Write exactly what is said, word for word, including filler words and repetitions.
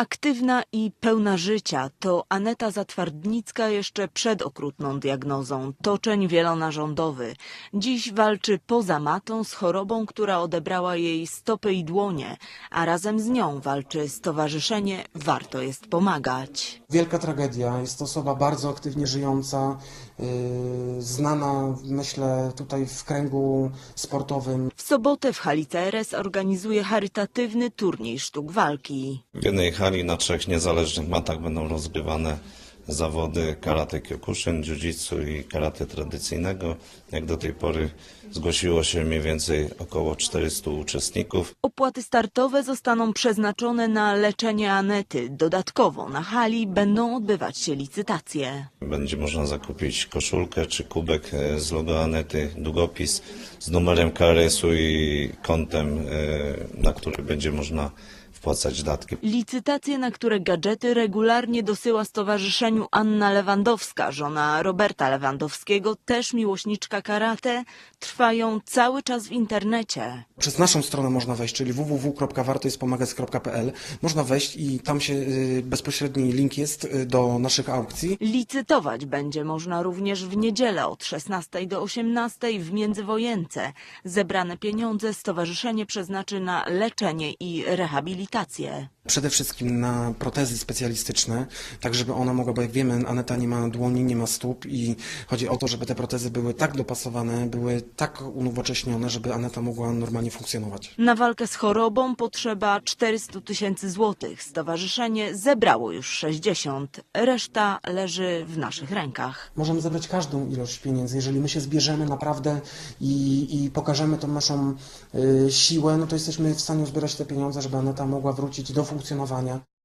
Aktywna i pełna życia to Aneta Zatwardnicka jeszcze przed okrutną diagnozą toczeń wielonarządowy. Dziś walczy poza matą z chorobą, która odebrała jej stopy i dłonie, a razem z nią walczy stowarzyszenie Warto jest pomagać. Wielka tragedia. Jest to osoba bardzo aktywnie żyjąca, yy, znana, myślę, tutaj w kręgu sportowym. W sobotę w hali C R S organizuje charytatywny turniej sztuk walki. W jednej hali na trzech niezależnych matach będą rozgrywane zawody karate kyokushin, jiu-jitsu i karate tradycyjnego. Jak do tej pory zgłosiło się mniej więcej około czterystu uczestników. Opłaty startowe zostaną przeznaczone na leczenie Anety. Dodatkowo na hali będą odbywać się licytacje. Będzie można zakupić koszulkę czy kubek z logo Anety, długopis z numerem K R S-u i kontem, na który będzie można wpłacać datki. Licytacje, na które gadżety regularnie dosyła stowarzyszeniu Anna Lewandowska, żona Roberta Lewandowskiego, też miłośniczka karate, trwają cały czas w internecie. Przez naszą stronę można wejść, czyli w w w kropka warto jest pomagać kropka p l. Można wejść i tam się yy, bezpośredni link jest yy, do naszych aukcji. Licytować będzie można również w niedzielę od szesnastej do osiemnastej w Międzywojence. Zebrane pieniądze stowarzyszenie przeznaczy na leczenie i rehabilitację. Przede wszystkim na protezy specjalistyczne, tak żeby ona mogła, bo jak wiemy, Aneta nie ma dłoni, nie ma stóp i chodzi o to, żeby te protezy były tak dopasowane, były tak unowocześnione, żeby Aneta mogła normalnie funkcjonować. Na walkę z chorobą potrzeba czterysta tysięcy złotych. Stowarzyszenie zebrało już sześćdziesiąt. Reszta leży w naszych rękach. Możemy zebrać każdą ilość pieniędzy, jeżeli my się zbierzemy naprawdę i, i pokażemy tą naszą y, siłę, no to jesteśmy w stanie zbierać te pieniądze, żeby Aneta mogła wrócić do funkcjonowania.